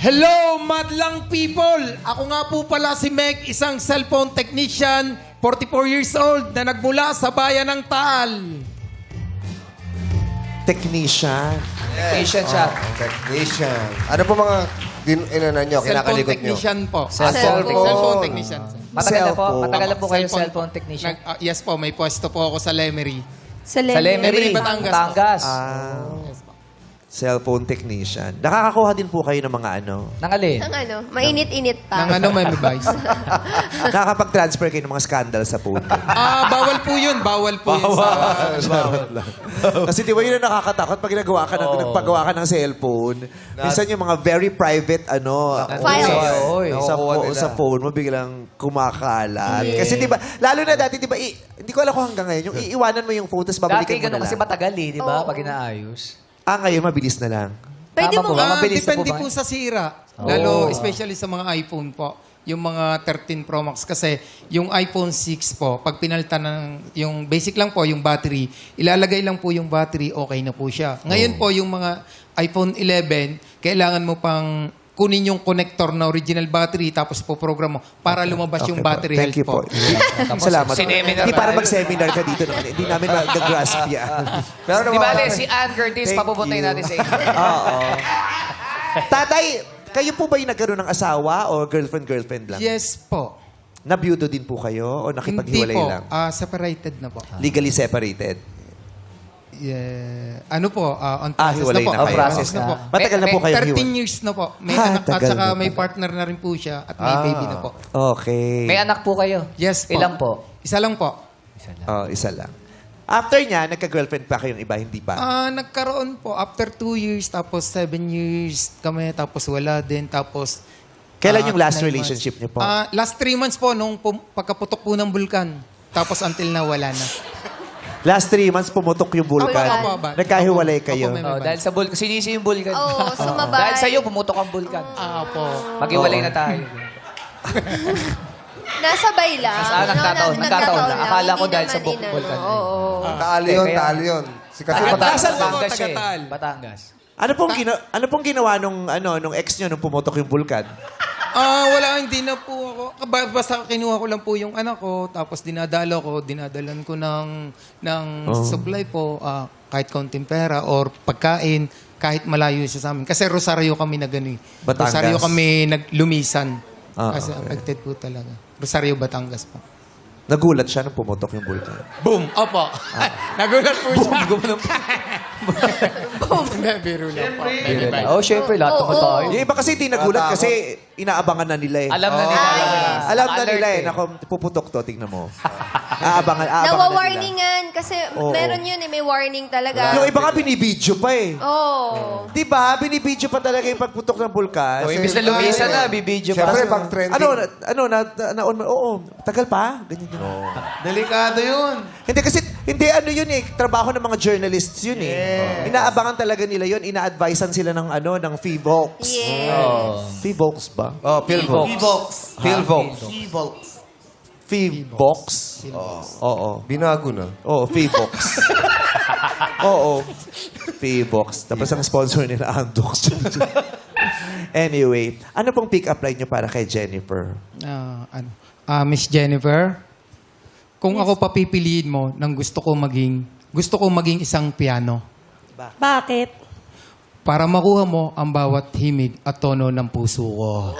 Hello, madlang people! Ako nga po pala si Meg, isang cellphone technician, 44 years old, na nagmula sa bayan ng Taal. Technician. Technician siya. Technician. Ano po mga inano nyo, Cellphone kinakalikot nyo? technician po. Cellphone. Cellphone technician. Matagal na po kayo Cellphone cellphone technician. Yes po, may pwesto po ako sa Lemery. Sa Lemery, Batangas. Batangas. Cellphone technician. Nakakakuha din po kayo ng mga ano. Nang alin? Ang ano, mainit-init pa. Nang ano, may device. Nakakapag-transfer kayo ng mga scandal sa phone. Bawal po yun. Bawal po yun sa... Kasi di ba yun ang nakakatakot pag nagpagawa ka ng cellphone. Minsan yung mga very private Files. sa phone mo biglang kumakalat. Kasi di ba, lalo na dati di ba, hindi ko alam kung hanggang ngayon, yung iiwanan mo yung phone tapos babalikan Dati mo na ganun lang. kasi matagal di ba? Pag inaayos. Ngayon mabilis na lang. Pwede Tama mo po nga. ba? Mabilis na Depende ba? po sa sira. Lalo, especially sa mga iPhone po. Yung mga 13 Pro Max. Kasi yung iPhone 6 po, pag pinalitan ng, yung basic lang po, yung battery, ilalagay lang po yung battery, okay na po siya. Ngayon po, yung mga iPhone 11, kailangan mo pang kunin yung connector na original battery tapos po-program mo para lumabas yung battery Thank you health po. Salamat. Sineminar Hindi para tayo. mag-seminar ka dito. Hindi namin mag-grasp yan. Pero Di ba, si Ann Curtis, Thank papupuntayin you. natin sa inyo. Oo. Tatay, kayo po ba yung nagkaroon ng asawa o girlfriend-girlfriend lang? Yes po. Nabiyudo din po kayo o Hindi nakipaghiwalay po. lang? Separated na po. Legally separated? Yeah. Ano po? On process Hiwalay na po. na kayo. Process na. po. Matagal na po kayo 13 years na po. May anak at tagal saka na may pala. partner na rin po siya at may baby na po. Okay. May anak po kayo? Yes po. Ilan po? Isa lang po. Isa lang. After niya, nagka-girlfriend pa kayong iba, hindi pa? Nagkaroon po after 2 years, tapos 7 years kami, tapos wala din, tapos... Kailan yung last 9 relationship niyo po? Last 3 months po, nung pagkaputok po ng bulkan. Tapos until na wala na. Last 3 months, pumutok yung vulkan. Opo, opo. Nagkahiwalay Opo, kayo. may- Dahil sa bulkan. Sinisi yung bulkan. Oo, sumabay. Dahil sa iyo, pumutok ang bulkan. Po. Mag-iwalay na tayo. Nasabay lang. Nagkataon lang. Akala ko Hindi dahil sa naman bulkan. Oo. Taalo yun, Kaya- taalo yun. Kasi Batangas Batangas. po, Batangas siya Tagatal. Batangas. Ano pong ginawa nung ex niyo nung pumutok yung vulkan? Wala, hindi na po ako. Basta kinuha ko lang po yung anak ko, tapos dinadalan ko ng supply po, kahit kaunting pera or pagkain, kahit malayo siya sa amin. Kasi Rosario kami na gano'n. Batangas. Rosario kami naglumisan. Kasi Okay. affected po talaga. Rosario, Batangas po. Nagulat siya nung pumutok yung vulkan. Boom! Opo. Nagulat po siya. Boom! Hindi, biro lang po. Oh, syempre, lahat naman tayo. Yung iba kasi hindi nagulat kasi inaabangan na nila eh. Alam na nila. Alam na Alert nila eh. eh. Naku, puputok to, tingnan mo. Aabangan na nila. Nawa-warningan. Kasi Oo. meron yun may warning talaga. Yung iba nga binibidyo pa eh. Oo. Di ba? Binibidyo pa talaga yung pagputok ng vulkan. O, imbis na lumisan na, bibidyo pa. Siyempre, pag trending. Tagal pa? Ganyan yun. Delikado yun. Hindi yun eh. Trabaho ng mga journalists yun eh. Inaabangan talaga nila yun. Ina-advisean sila ng FIVOX. Yes. FIVOX ba? Oh, Philvox. Philvox. FIVOX? Oo. Binago na. Oo, FIVOX. Oo. FIVOX. Tapos ang sponsor nila, Andox. Anyway, ano pong pick-up line nyo para kay Jennifer? Miss Jennifer, kung ako papipiliin mo ng gusto ko maging isang piano Bakit? para makuha mo ang bawat himig at tono ng puso ko.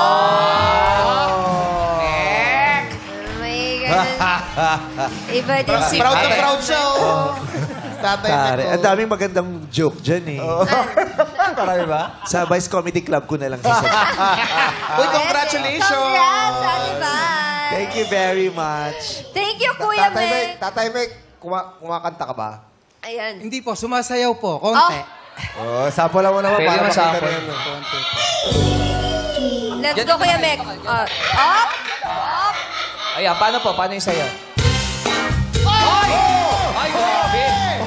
May ganun. Iba din si Proud na proud siya, oh. Tare, ang daming magandang joke dyan eh. Marami ba? Sa Vice Comedy Club ko na lang sasabihin. Uy, congratulations! Congrats, Ate Val. Thank you very much. Thank you, Kuya Meg. Tatay Meg, kumakanta ka ba? Ayan. Hindi po, sumasayaw po. Konti. Oh, sapo lang mo naman Pwede para naman makita sample. na yan. Let's go, Kuya Meg. Up. Up. Ayan, paano po? Paano yung sayo? Ay! Ay, grabe!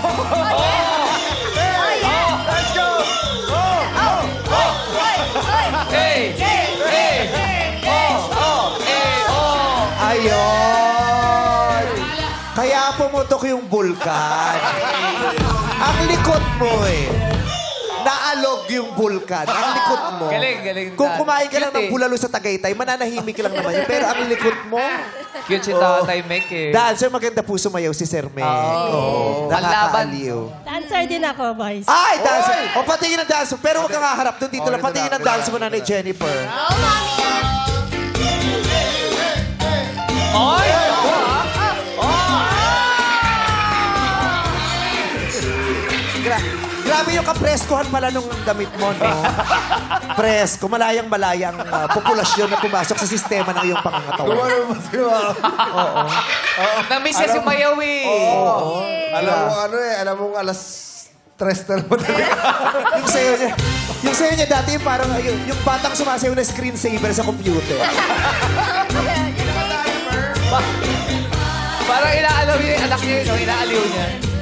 Let's go! Hey! Hey! Ayun! Kaya pumutok yung vulkan. Ang likod mo eh. Naalog yung vulkan. Ang likod mo. Galing. Kung kumain ka lang Cute ng bulalo sa Tagaytay, mananahimik lang naman yun. Pero ang likod mo, Cute si Tatay Mek eh. dancer, maganda po sumayaw si Sir Meg. Oo. Nakakaaliw. Dancer din ako, boys. Ay, dancer! O, patingin ng dancer. Pero huwag kang haharap doon. Dito lang. dito Patingin na, ng dito dancer mo na. na ni Jennifer. Go, Mami! Oy! Grabe yung kapreskohan pala nung damit mo, no? Presko. Malayang-malayang populasyon na pumasok sa sistema ng iyong pangangatawan. Kumano ba siya? Na-miss niya si Mayaw eh. Alam mo alas 3 na naman. yung sayo niya dati yung parang yung batang sumasayaw na screensaver sa computer. Parang inaalaw niya yung anak niya, no? Inaaliw niya.